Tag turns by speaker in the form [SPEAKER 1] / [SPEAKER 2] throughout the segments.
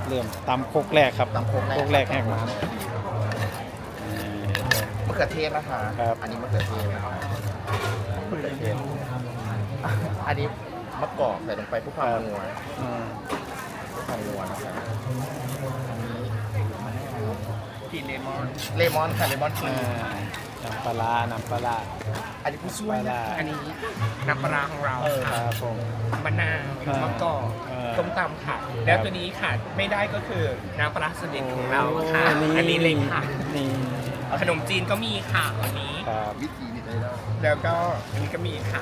[SPEAKER 1] เริ่มตำโคกแรกครับ
[SPEAKER 2] ตำโคกแรก
[SPEAKER 1] โคกแรกแหกน้
[SPEAKER 2] มะเขือเทศนะคะ
[SPEAKER 1] ครับ
[SPEAKER 2] อันนี้มะเขือเทศนะคะมะเขือเทศอันนี้มะกอกใส่ลงไปเพื่อความนัว
[SPEAKER 1] ำอืม
[SPEAKER 2] เพื่อความนัวนะคะอันนี้
[SPEAKER 3] กลิ่นเลมอน
[SPEAKER 2] เลมอนค่ะเลมอนครี
[SPEAKER 1] น้ำปลาร้าน้ำปลาร้า
[SPEAKER 2] อันนี้ผู้ช่วยนะ
[SPEAKER 3] อันนี้น้ำปลาร้าของเรา
[SPEAKER 1] ครับผม
[SPEAKER 3] มะนาวมะกอก
[SPEAKER 1] เออ
[SPEAKER 3] ต้มตำค่ะ แล้วตัวนี้ค่ะไม่ได้ก็คือน้ำปลาร้าสลิดของเราค่ะ
[SPEAKER 1] โ
[SPEAKER 3] อันนี้เลยค่ะ
[SPEAKER 1] นี่
[SPEAKER 3] ขนมจีนก็มีค่ะวันนี้
[SPEAKER 1] ครับ
[SPEAKER 2] วิธีนี้ได้แล้ว
[SPEAKER 3] แล้วก็อันนี้ก็มีค่ะ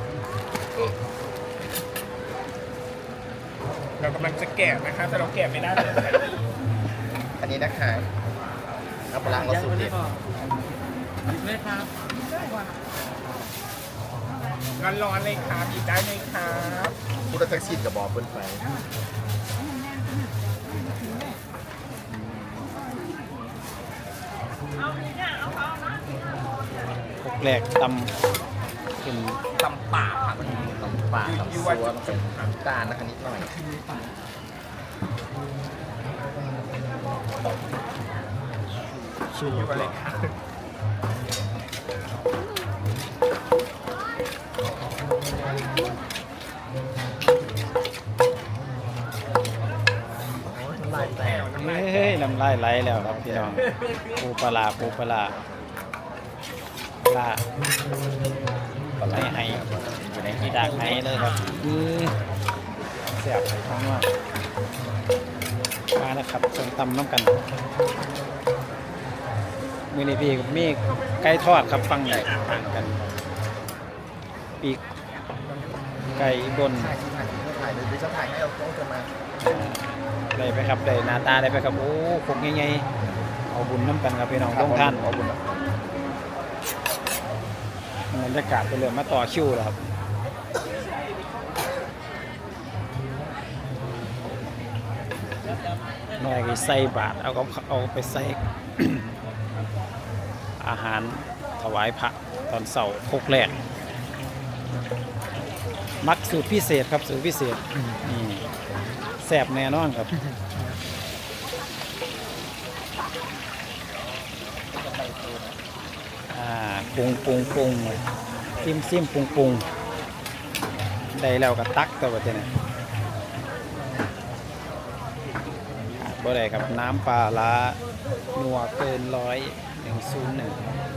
[SPEAKER 3] เรากำลังจะแกะนะคะ แต่เราแกะไม่ได้เลย
[SPEAKER 2] อันนี้นะคะน้ำปลาร้าของเราสูตรเด็ด
[SPEAKER 3] ไม่ครับร้อนๆเลยครับหยิบได้เลยครับ
[SPEAKER 2] พุทธจักรชินกับบอเปิ้ลไฟ
[SPEAKER 1] โคกแรกตำเป็น
[SPEAKER 3] ตำป่าค่ะวันนี้
[SPEAKER 2] น้ำปลาน้ำ
[SPEAKER 3] ยู
[SPEAKER 2] ซั
[SPEAKER 3] ว่าว จะ
[SPEAKER 2] น้ำตาลนะคะนิดหน่อย
[SPEAKER 3] ชูอะไรค่ะ
[SPEAKER 2] น้ำลายแตก
[SPEAKER 1] เฮ้ยน้ำลายไหลแล้วครับพี่น้องปูปลาร้าปูปลาร้าปลาให้อยู่ในที่ดักให้เลยครับเสียบทั้งว่ามาแล้วครับส้มตำน้ำกันมือนี้พี่กับมีไก่ทอดครับฟังใหญ่ต่างกันปีกไก่บน
[SPEAKER 2] ถ่ายที่ถ่ายเดี๋ยวจะถ่ายให้เราต้องจะมา
[SPEAKER 1] ได้ไปครับได้หน้าตาได้ไปครับโอ้คงใหญ่ๆเอาบุญน้ำกันครับพี่น้องต้องท่าน
[SPEAKER 2] เอาบุญ
[SPEAKER 1] บรรยากาศไปเลยมาต่อคิวแล้วครับหน่อยก็ใส่บาทเอาไปใส่ อาหารถวายพระตอนเสาร์โคกแรกมักสูตรพิเศษครับสูตรพิเศษนี่แซ่บแน่นอนครับปรุงซิมปรุงได้แล้วก็ตักตัวเจ้าเนี่ยบ่ได้ครับน้ำปลาร้านัวเกิน101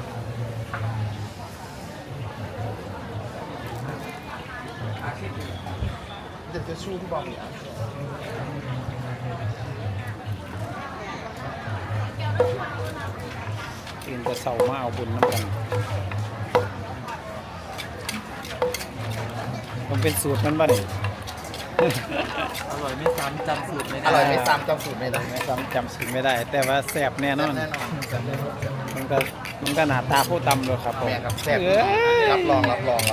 [SPEAKER 2] เดี๋ยวจะชูที่บอกเนี่ย
[SPEAKER 1] ตื่นแต่เสามาเอาบุญน้ำกันมันเป็นสูตรมันบ้านี่
[SPEAKER 4] อร่อยไม่ซ้ำจำสูตรไม่
[SPEAKER 2] อ
[SPEAKER 4] ได้
[SPEAKER 2] ร่อยไม่ซ้ำจำสูตรไม่ได้
[SPEAKER 1] จำสูตรไม่ได้ แต่ว่าแซ่บแน่นอน
[SPEAKER 2] แน่นอนจำได้หมด
[SPEAKER 1] มันก็หน้าตาผู้ตำเลยครับผม
[SPEAKER 2] แม่ครับแซ่บ
[SPEAKER 1] เอ้ย
[SPEAKER 2] รับรอง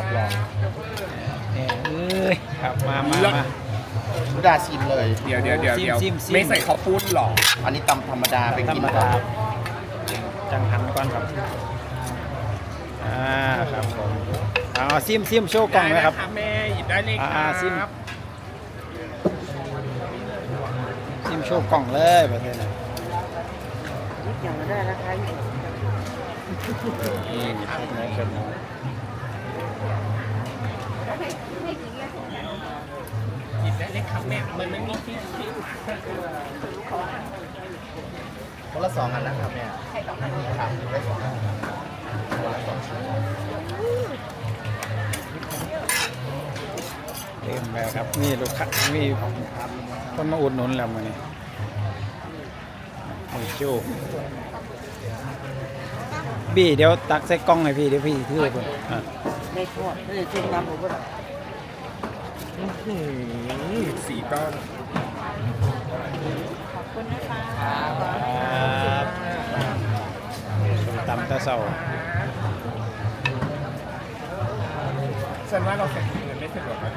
[SPEAKER 1] เอ้ยครับมา
[SPEAKER 2] พุดาชิมเลย
[SPEAKER 3] เดี๋ยว
[SPEAKER 1] ซิม
[SPEAKER 3] ไม่ใส่ข้าวปุ้นหรอ
[SPEAKER 2] อันนี้ตำธรรมดาไป
[SPEAKER 1] ธร
[SPEAKER 2] กิน
[SPEAKER 1] รม
[SPEAKER 2] ก่อ
[SPEAKER 1] ดาน จังหันก่อนครับครับผมเอาซิมโชว์กล่องไหมครับ
[SPEAKER 3] ได้นะแม่หยิบได้เลยค
[SPEAKER 1] อ่า
[SPEAKER 3] รับ
[SPEAKER 1] ซิมโชว์กล่องเลยแบบนี้นะ
[SPEAKER 4] อย่างนั้นได้นะคะ
[SPEAKER 1] นี่พวกนี้กัน
[SPEAKER 3] หยิบได้เลยครับแม่มันไม่มีที่
[SPEAKER 2] คนละ2 อันนะครับแม่ครับได้2 อันคนละ2 ชิ้น
[SPEAKER 1] เต็มแล้วครับนี่ลูกค้ามีคนมาอุดหนุนแล้วมื้อนี้โอ้โหบี้เดี๋ยวตักใส่กล้องให้พี่เดี๋ยวพี่ถือให้ผม
[SPEAKER 4] ไม่ทอดไม่ได้จิ้มน้ำผมก็ได้
[SPEAKER 3] สีก้อน
[SPEAKER 1] ครับส้มตำตะเสา
[SPEAKER 3] ฉันว่าเราใส่ถุงเงินไม่สะดวกเรา